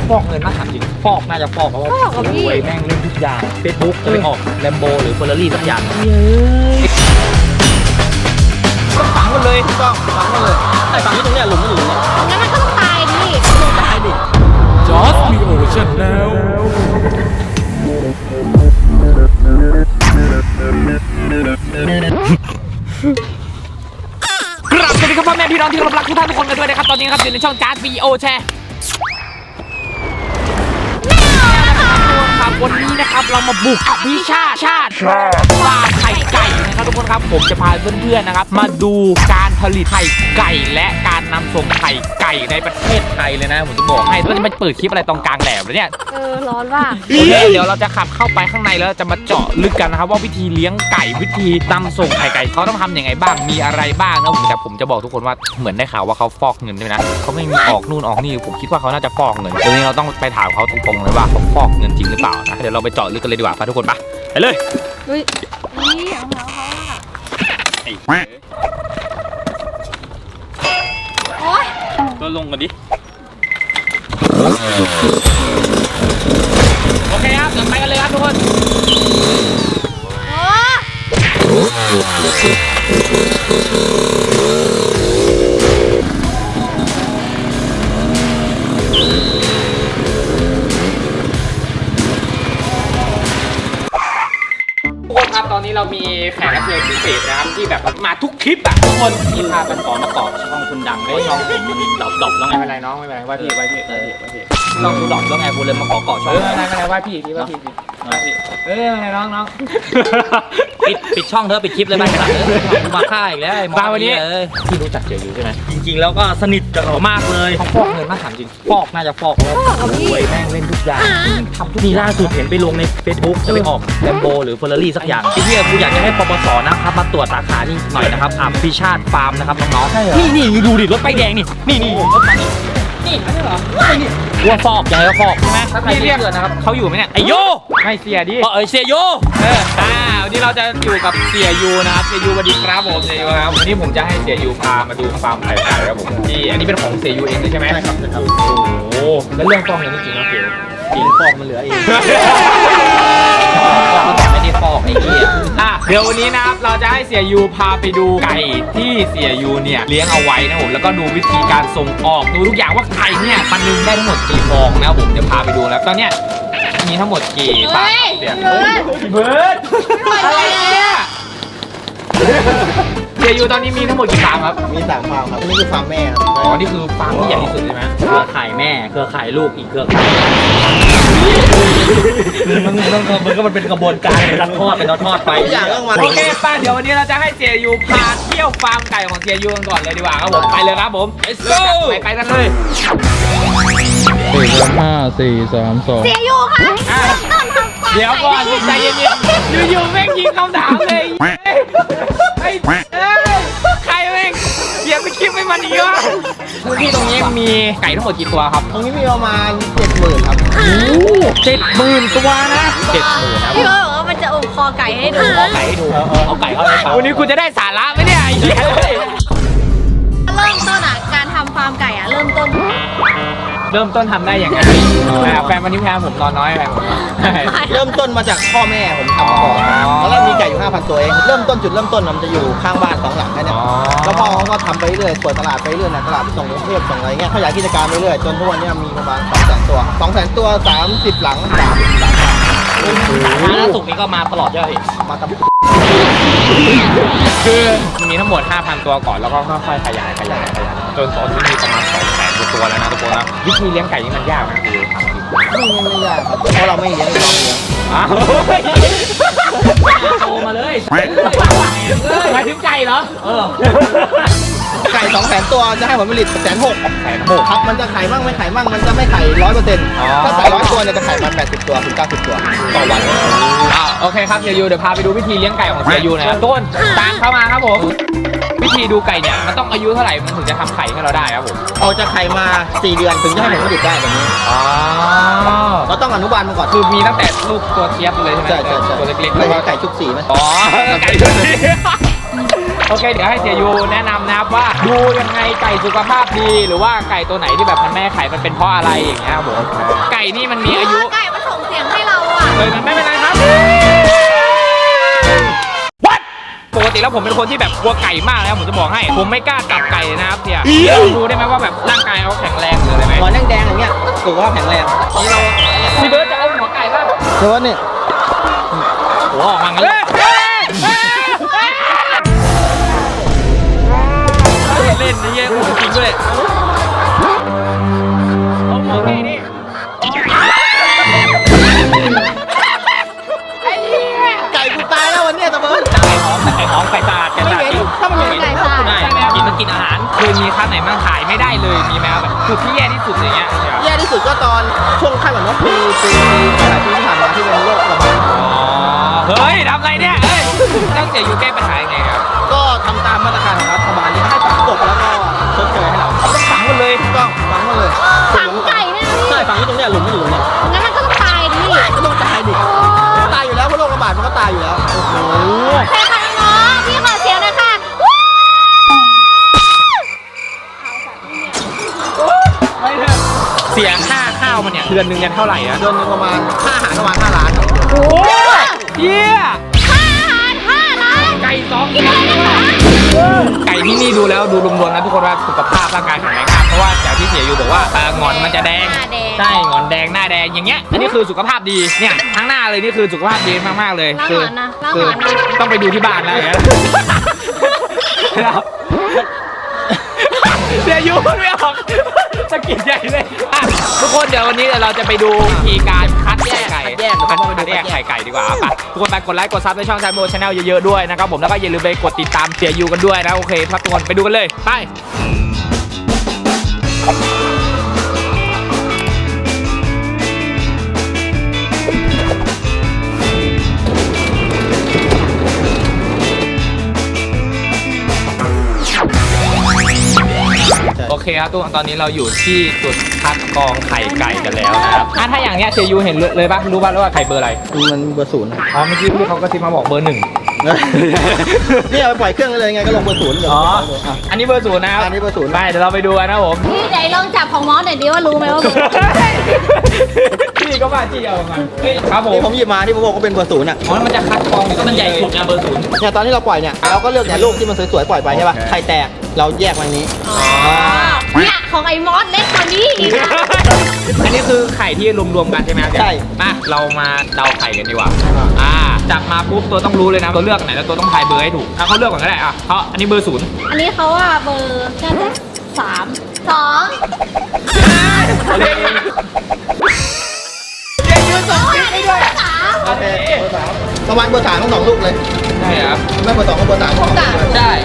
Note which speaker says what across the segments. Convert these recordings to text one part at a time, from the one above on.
Speaker 1: ฟอกเงินมากถามจริงฟอกน่าจะฟอกเพราะว่ารวยแม่งเล่นทุกอย่าง Facebook จะไปออกแลมโบหรือเฟอร์รารี่สักอย่างต้องฝังมันเลยต้องฝังมันเลยไอ้ฝังที่ตรงเนี้ยหลุมไม่หลุมเนี่ย
Speaker 2: งั้นมันก็ต้องตายดิ
Speaker 1: ตายดิ
Speaker 3: Just Me Ocean แล้ว
Speaker 1: กราบสวัสดีครับพ่อแม่พี่น้องที่รักทุกท่านทุกคนกันด้วยนะครับตอนนี้นะครับอยู่ในช่องจาร์ดวีโอแชร์วันนี้นะครับเรามาบุกวิชาชาติฟาร์มไข่ไก่นะครับทุกคนครับผมจะพาเพื่อนๆนะครับมาดูการผลิตไข่ไก่และการนำส่งไข่ไก่ในประเทศไทยเลยนะผมจะบอกให้แล้วจะมาเปิดคลิปอะไรตรงกลางแหลมเลยเนี่ย
Speaker 2: ร้อนว่ะ
Speaker 1: เดี๋ยวเราจะขับเข้าไปข้างในแล้วจะมาเจาะลึกกันนะครับว่าวิธีเลี้ยงไก่วิธีนำส่งไข่ไก่เขาต้องทำยังไงบ้างมีอะไรบ้างนะแต่ผมจะบอกทุกคนว่าเหมือนได้ข่าวว่าเขาฟอกเงินด้วยนะเขาไม่มีออกนู่นออกนี่ผมคิดว่าเขาน่าจะฟอกเงินเดี๋ยวนี้เราต้องไปถามเขาตรงๆเลยว่าเขาฟอกเงินจริงหรือเปล่านะเดี๋ยวเราไปเจาะลึกกันเลยดีกว่าทุกคนไปเลย
Speaker 2: อุ้ยนี่เอาเขาอ่ะโอ๊ย
Speaker 1: ก็ลงกันดิโอเคครับเดี๋ยวไปกันเลยครับทุกคน ทุกคนครับตอนนี้เรามีแขกรับเชิญพิเศษนะครับที่แบบมาทุกคลิปอะทุกคนที่พากันมาเกาะช่องคุณดังได้น้องผมมันดอบแล้วไงไม่เป็นไรน้องไม่เป็นไรว่าพี่น้องดูดอบแล้วไงผมเลยมาขอเกาะช่องไม่เป็นไรว่าพี่ว่าพี่ไงน้องปิดช่องเธอปิดคลิปเลยบ้างมาฆ่าอีกแล้วมาวันนี้พี่รู้จักเจียอยู่ใช่ไหมจริงๆแล้วก็สนิทกับเขามากเลยเขาฟอกเงินมากถามจริงฟอกน่าจะฟอกแล้วรวยแม่งเล่นทุกอย่างทำทุกทีล่าสุดเห็นไปลงใน Facebook จะไปออกแลมโบหรือเฟอร์รารี่สักอย่างที่พี่กูอยากจะให้ปปสนะครับมาตรวจสาขานี่หน่อยนะครับพิชาติฟาร์มนะครับน้องๆนี่ดูดิรถป้ายแดงนี่รถมานี่ไม่ใช่เหรอนี่ว่าฟอกยังไงก็ฟอกใช่ไหมพี่เรียกนะครับเขาอยู่ไหมเนี่ยไอโยไม่เสียดิเสียโยวันนี้เราจะอยู่กับเสียยูนะครับเสียยูสวัสดีครับผมเสียยูครับวันนี้ผมจะให้เสียยูพามาดูฟาร์มไข่ไก่ครับผมที่อันนี้เป็นของเสียยูเองเลยใช่ไหมใช่ครับโอ้แล้วเรื่องฟอกเงินจริงๆนะเสียจริงฟอกมันเหลือเองแต่ไม่ได้ฟอกไอ้เหี้ยเดี๋ยววันนี้นะครับเราจะให้เสียยูพาไปดูไก่ที่เสียยูเนี่ยเลี้ยงเอาไว้นะผมแล้วก็ดูวิธีการส่งออกดูทุกอย่างว่าไข่เนี่ยมันนึงได้ทั้งหมดกี่ฟองนะผมจะพาไปดูแล้วตอนเนี้ยมีทั้งหมดกี่ฟาร์มเสียเบิร์ดอะไรเนี่ยเสียยูตอนนี้มีทั้งหมดกี่ฟาร์มครับมี3 ฟาร์มครับนี่คือฟาร์มแม่ครับอ๋อนี่คือฟาร์มที่ใหญ่ที่สุดใช่ไหมเครือข่ายแม่เครือข่ายลูกอีกเครือข่ายมันก็มันเป็นกระบวนการเป็นทอดเป็นทอดไปโอเคป้าเดี๋ยววันนี้เราจะให้เสียยูพาเที่ยวฟาร์มไก่ของเสียยูกันก่อนเลยดีกว่าครับผมไปเลยครับผม let's go ไปกันเลย
Speaker 3: 5 4 3 2
Speaker 2: เสียอยู่ค่ะต้นทำฟาร์ม
Speaker 1: เดี๋ยวก่อนใจเย็นๆอยู่ๆแม่งยิงคำถามเลยไอ้ใครแม่งเขียนไปคลิปไม่มันอีกวะพื้นที่ตรงนี้มีไก่ทั้งหมดกี่ตัวครับตรงนี้มีประมาณ 70,000 ครับ70,000 ตัวนะ70,000นะ
Speaker 2: พี่บอกว่ามันจะอมคอไก่ให้ดู
Speaker 1: เอาไก่ให้ดูเอาไก่เข้าไปวันนี้คุณจะได้สาระไหมเนี่ยไอ้เหี้ย
Speaker 2: เริ่มต้นอ่ะการทำฟาร์มไก่อ่ะเริ่มต้น
Speaker 1: ทำได้อย่างไรแฟนวันนี้แฟนผมนอนน้อยแฟนผม
Speaker 4: เริ่มต้นมาจากพ่อแม่ผมทำมาก่อนตอนแรกมีไก่อยู่ 5,000 ตัวเองจุดเริ่มต้นมันจะอยู่ข้างบ้าน2 หลังแค่นี้แล้วพ่อเขาก็ทำไปเรื่อยเปิดตลาดไปเรื่อยนะตลาดส่งกรุงเทพส่งอะไรเงี้ยขยายกิจการไปเรื่อยจนทุกวันนี้มีประมาณ 200,000 ตัว 200,000 ตัว30 หลัง30 หลัง
Speaker 1: ล่าสุดนี้ก็มาตลอดเยอะเหรอ
Speaker 4: มาทำ
Speaker 1: คือมีทั้งหมด 5,000 ตัวก่อนแล้วก็ค่อยๆขยายจนตอนนี้มีประมาณ 200,000 ตัวแล้วนะทุกคนนะวิธีเลี้ยงไก่นี่มันยากนะคือ
Speaker 4: ไม่ยากครับเพราะเราไม่เลี้ยง
Speaker 1: โตมาเลยหมายถึงไก่เหรอ
Speaker 4: ไก่ 200,000 ตัวจะให้ผลผลิต160,000ครับมันจะไข่มั่งไม่ไข่มั่งมันจะไม่ไข่ 100% ถ้าไก่100 ตัวเนี่ยจะไข่มัน80 ตัวถึง90 ตัวต่อวัน
Speaker 1: โอเคครับเสียยูเดี๋ยวพาไปดูวิธีเลี้ยงไก่ของเสียยูหน่อยครับต้นตามเข้ามาครับผมวิธีดูไก่เนี่ยมันต้องอายุเท่าไหร่มันถึงจะทำไข่ให้เราได้ครับผม
Speaker 4: เอาจะไข่มา4 เดือนถึงจะให้ผลผลิตได้แบบนี้เราต้องอนุบาลมันก่อน
Speaker 1: คือมีตั้งแต่ลูกตัวเทียบเลยใช่ไหม
Speaker 4: ใช่
Speaker 1: ตัวเล็กๆ
Speaker 4: แล้วก็ไก่ชุบสีไหม
Speaker 1: ไก่ชุบสีโอโอเคเดี๋ยวให้เสียยูแนะนำนะครับว่าดูยังไงไก่สุขภาพดีหรือว่าไก่ตัวไหนที่แบบมันแม่ไข่มันเป็นเพราะอะไรอย่างเงี้ยครับผมไก่นี่มันมีอายุ
Speaker 2: ไก่มันส่งเสียงให้เราอ่ะ
Speaker 1: เลยมันไม่เป็นไรครับปกติแล้วผมเป็นคนที่แบบกลัวไก่มากแล้วผมจะบอกให้ผมไม่กล้าจับไก่เลยนะครับเสียดูได้ไหมว่าแบบร่างกายเขาแข็งแรงเลยได้ไหม
Speaker 4: หัวแดงๆอย่างเงี้ยสุขภาพแข็งแรง
Speaker 1: นี่เราพี่เบิร์ดจะเอาหัวไก่ป่ะ
Speaker 4: เดี๋ยวนี่
Speaker 1: หัวออกมางั้นเลยเล่นนี่เย้จริงด้วยเอาหัวไก่นี่
Speaker 4: ไก่กูตายแล้ววันเนี้ยตะเบิร์ด
Speaker 1: ไก่ของไก่สะอาดไก่สะอาดกิน
Speaker 4: ถ้ามันเป็น
Speaker 2: ไก่สะอาด
Speaker 1: ใช่กินมันกินอาหารเคยมีครั้งไหนบ้างถ่ายไม่ได้เลยมีไหมครับแบบจุดที่แย่ที่สุดอย่างเงี้ย
Speaker 4: แย่ที่สุดก็ตอนช่วงไข้หวัดนกปีหลายปีที่ผ่านมาที่เป็นโรคระบาด
Speaker 1: อ๋อเฮ้ยทำไรเนี่ยเฮ้ยต้องเสียอยู่แก้ปัญหายังไงครับ
Speaker 4: ก็ทำตามมาตรการของรัฐบาลที่ให้ฝังกบแล้วก็ชดเชยให้เรา
Speaker 1: ต้องฝังหมดเลย
Speaker 4: ก็ฝังหมดเลย
Speaker 2: ฝังไก่เนี่ยนะ
Speaker 4: ใช่ฝังที่ตรงเนี้ยหลุมมันอยู่ตรงเนี้ย
Speaker 2: งั้นมันก็ต้องตายดิ
Speaker 4: ก็ต้องตายดิตายอยู่แล้วเพราะโรคระบาดมันก็ตายอยู่แล้วโอ้โห
Speaker 2: ใช่ค่ะน้องๆพี่ขอเสียงหนะคะ
Speaker 1: เสียค่าข้าวมันเนี่ยเดือนหนึงกันเท่าไหร่อะ
Speaker 4: เดือนหนึงประมาณค่าอาหารประมาณ5 ล้าน
Speaker 1: โอ้เยี่ย
Speaker 2: ค่าอาหาร5 ล้าน
Speaker 1: ไก่สอง
Speaker 2: กินอะไรนะคะ
Speaker 1: ไก่ที่นี่ดูแล้วดูรวมๆนะทุกคนว่าสุขภาพร่างกายแข็งแรงมากเพราะว่าจากที่เสียอยู่บอกว่าหงอนมันจะแดงใช่หงอนแดงหน้าแดงอย่างเงี้ยอันนี้คือสุขภาพดีเนี่ยทั้งหน้าเลยนี่คือสุขภาพดีมากๆเลย
Speaker 2: ล้าง
Speaker 1: คื
Speaker 2: หงอนนะล้างหงอนนะ
Speaker 1: ต้องไปดูที่บ้านแล้วอย่างเงี้ยเสียยูไม่ออกสะกิดใหญ่เลยอ่ะทุกคนเดี๋ยววันนี้เราจะไปดูวิธีการคัดแยกไก่คัดแยกไก่ดีกว่าไปทุกคนไปกดไลค์กดซับในช่องชายโมชาแนลเยอะๆด้วยนะครับผมแล้วก็อย่าลืมไปกดติดตามเสียยูกันด้วยนะโอเคครับทุกคนไปดูกันเลยไปโอเคครับทุกคนตอนนี้เราอยู่ที่จุดคัดกรองไข่ไก่กันแล้วนะครับถ้าอย่างเนี้ยเสียยูเห็นเลยปะรู้ป่ะว่าไข่เบอร์อะไร
Speaker 4: มันเบอร์ 0
Speaker 1: อ๋อเมื่อกี้พี่เขาก็ซิมาบอกเบอร์ 1
Speaker 4: นี่เอาไปปล่อยเครื่องเลยไงก็ลงเบอร์ 0เลย
Speaker 1: อ๋ออันนี้เบอร์ 0นะครับ
Speaker 4: อันนี้เบอร์ 0
Speaker 1: ไปเดี๋ยวเราไปดูกันนะผม
Speaker 2: พี่ไหนลองจับของมอสหน่อยดิว่ารู้ไหมว่าเบอร์
Speaker 1: พี่ก็มาจี้เอามาครับผม
Speaker 4: นี่ผมหยิบมาที่ผมบอกว่าเป็นเบอร์ 0อ่ะ
Speaker 1: อ๋อมันจะคัดกรองก็มันใหญ่สุดนะเบอร์ 0
Speaker 4: เนี่ยตอนที่เราปล่อยเนี่ยเราก็เลือกแต่ลูกที่มันสวยๆปล่อยไปใช่ป่ะไข่แตกเราแยกมันนี้
Speaker 2: เนี่ยของไอ้มอสเล็กกว่านี้อีกนะ
Speaker 1: อันนี้คือไข่ที่รวมๆกันใช่ไหมครับ
Speaker 4: ใช่
Speaker 1: มาเรามาเดาไข่กันดีกว่าจับมาปุ๊บตัวต้องรู้เลยนะตัวเลือกไหนแล้วตัวต้องทายเบอร์ให้ถูกเขาเลือกก่อนก็ได้เพราะอันนี้เบอร์ 0
Speaker 2: อันนี้เขาว่าเบอร์น่าจะ3 2
Speaker 1: เรียกยืนสองชิ้นด้วย
Speaker 4: โอเคเบอร์ 3ประมาณเบอร์ 3ทั้ง2ลูกเลย
Speaker 1: ใช่ครับ
Speaker 4: ไม่เบอร์ 2ก็เบอร์ 3ของ
Speaker 1: ใช่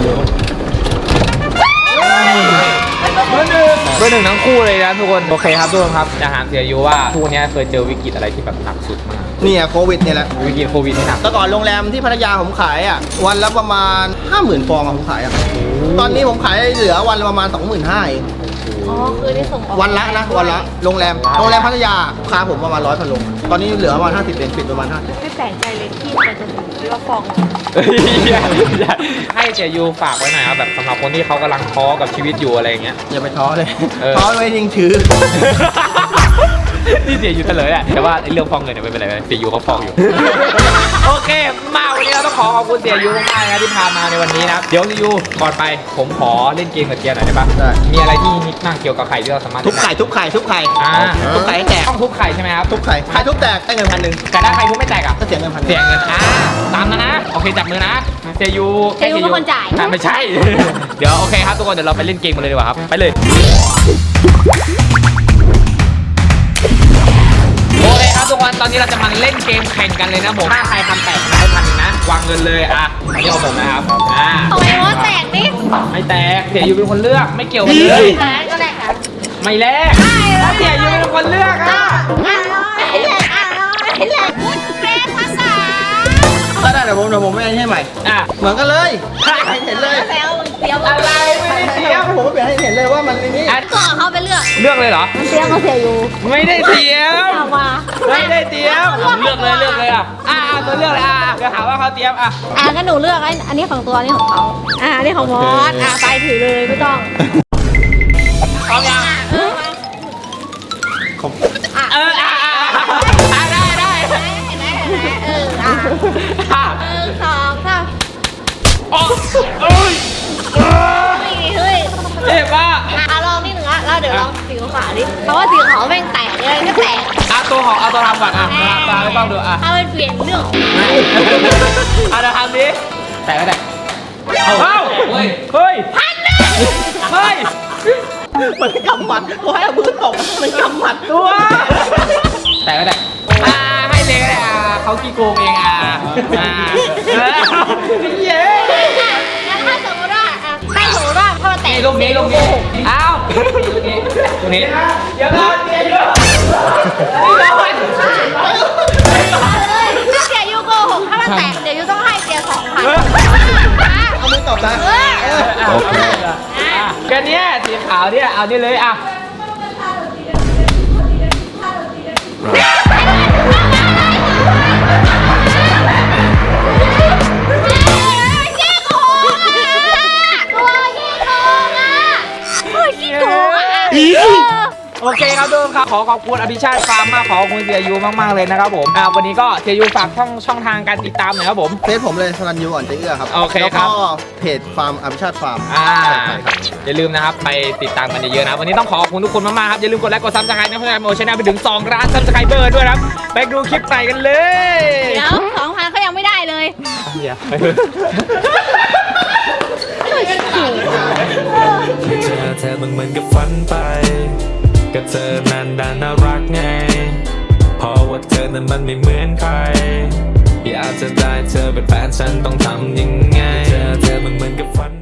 Speaker 1: เบอร์ 1ทั้งคู่เลยนะทุกคนโอเคครับทุกคนครับจะถามเสียยูว่าทุกวันนี้เคยเจอวิกฤตอะไรที่แบบหนักสุดมาก
Speaker 4: เนี่ยโควิดเนี่ยแหละ
Speaker 1: วิกฤตโควิดที่หนัก
Speaker 4: แต่ก่อนโรงแรมที่พัทยาผมขายอ่ะวันละประมาณ 50,000 ฟองอะผมขายอ่ะตอนนี้ผมขายเหลือวันละประมาณ 25,000 เอง
Speaker 2: อ๋อคือได้ส่งออก
Speaker 4: วันละนะวันละโรงแรมพัทยาลูกค้าผมประมาณ100 พันลงตอนนี้เหลือประมาณ50เป็นปิดประมาณ50
Speaker 2: ไม่แปลกใจเลยที่มันจะถึงว่าฟอง
Speaker 1: ให้เสียยูฝากไว้หน่อยครับแบบสำหรับคนที่เขากำลังท้อกับชีวิตอยู่อะไรอย่างเงี้ย
Speaker 4: อย่าไปท้อเลย
Speaker 1: เออ
Speaker 4: ท้อไว้ยิงถือ
Speaker 1: นี่เสียยูเฉลยแหละแต่ว่าไอ้เรื่องฟองเงินเนี่ยไม่เป็นไรเสียยูเขาฟองอยู่ โอเคมาวันนี้เราต้องขอบคุณเสียยูมากๆนะที่พามาในวันนี้นะครับเดี๋ยวเสียยูก่อนไปผมขอเล่นเกมกับเจียหน่อยได้ปะ
Speaker 4: ได้
Speaker 1: มีอะไรที่ฮิตมากเกี่ยวกับไข่ที่เราสามารถ
Speaker 4: ทุบไข่ทุบไข่ทุบไข่ ทุบไข่ให้แตก
Speaker 1: ต้องทุบไข่ใช่ไหมครับ
Speaker 4: ทุบไข่ไข่ทุบแตกได้เงิน1,000
Speaker 1: แต่ถ้าไข่ทุบไม่แตกอ่ะ
Speaker 4: ก็เสียเงิน1,000
Speaker 1: เสียเงินตามนะโอเคจับมือนะเสียยู
Speaker 2: เสียยูเป็นคนจ่าย
Speaker 1: ไม่ใช่ เดี๋ยวโอเคครับทุกคนเดี๋ยวเราไปเล่นเกมกันเลยดีกว่าครับไปเลยโอเคครับทุกคนตอนนี้เราจะมาเล่นเกมแข่งกันเลยนะผมถ้าใครทำแตกได้1,000นะวางเงินเลยอันนี้เอาผมนะครับ
Speaker 2: ของไอ้มอสแตกนี่
Speaker 1: ไม่แตกเสียยูเป็นคนเลือกไม่เกี่ยวกันเลย
Speaker 2: แต่ก็แตกค่ะ
Speaker 1: ไม่แลกถ้าเสียยูเป็นคนเลือก
Speaker 2: อ
Speaker 1: อ่ะ
Speaker 2: ร่อยแหละพูดเป็นภาษา
Speaker 4: ก็ได้เดี๋ยวผมไม่ให้ใหม่เหมือนกันเลยให้เห็นเลย
Speaker 2: แล้วมึงเสียว
Speaker 1: อะไรไม่ได้เสีย
Speaker 4: ผมก็เปลี่ยนให้เห็นเลยว่ามันนี่
Speaker 2: ก็เอาเขาไปเลือก
Speaker 1: เลือกเลยเหรอ
Speaker 2: มันเตรียมมาเสียอยู่
Speaker 1: ไม่ได้เตรียม
Speaker 2: เอามา
Speaker 1: ไม่ได้เตรียมเลือกเลยอ่ะตัวเลือกเลยเดี๋ยวหาว่าเขาเตรียม
Speaker 2: งั้นหนูเลือกอันนี้ของตัวอันนี้ของเขาอันนี้ของมอสไปถือเลยไม่ต้อง
Speaker 1: พร้อมยัง ได้
Speaker 2: เห็นไหมสองสาม
Speaker 1: เอ้ย
Speaker 2: เฮ้ย
Speaker 1: เจ็บป่ะ
Speaker 2: ลองนิดนึงแล้วเดี๋ยวลองสีขาวดิเพราะว่าสีขาวแม่งแตกเลยก็แตก
Speaker 1: เอาตัวทำก่อนตาไม่ต้องดู
Speaker 2: ถ้ามันเปลี่ยนเรื่อง
Speaker 1: เดี๋ยวทำดิแตกก็แตกเฮ้ยพันเลยเฮ้ย
Speaker 4: มันกำหมัดกูให้เอามือตบมันกำหมัด
Speaker 1: ตัวแตกก็แตกให้เลยก็ได้เขากี่โกงเองเย้
Speaker 2: งั้นถ้าสมมติว่าถ้ามันแตก
Speaker 1: ลูกนี้อ้าวลูกนี้เดี๋ยวก่อนนี่ก่อน
Speaker 2: ถ้าเสียยูโกหกถ้ามันแตกเดี๋ยวยูต้องให้เสีย2,000
Speaker 4: เอามือตบนะ
Speaker 3: โอเค
Speaker 1: กันเนี้ยสีขาวเนี่ยเอานี่เลยโอเคครับทุกคนครับขอขอบคุณอภิชาติฟาร์มมากขอบคุณเสียยูมากๆเลยนะครับผมวันนี้ก็เสียยูฝากช่องทางการติดตามหน่อยครับผม
Speaker 4: เฟซผมเลยสรัญยูอ่อนใจเอื้อครับ
Speaker 1: โอเคครับ
Speaker 4: แล้วก็เพจฟาร์มอภิชาติฟาร์ม
Speaker 1: อย่าลืมนะครับไปติดตามกันเยอะๆนะวันนี้ต้องขอขอบคุณทุกคนมากๆครับอย่าลืมกดไลค์กดซับสไครต์นะเพื่อนโอชแนลไปถึง2 ล้านซับสไครเบอร์ด้วยนะครับไปดูคลิปใหม่กันเลย
Speaker 2: เดี๋ยว 2,000เขายังไม่ได้เลย
Speaker 5: เจอเธอมันเหมือนกับฝันไปก็เธอนั้นน่ารักไงเพราะว่าเธอนั้นมันไม่เหมือนใครอยากจะได้เธอเป็นแฟนฉันต้องทำยังไงเจอเธอมันเหมือนกับฝัน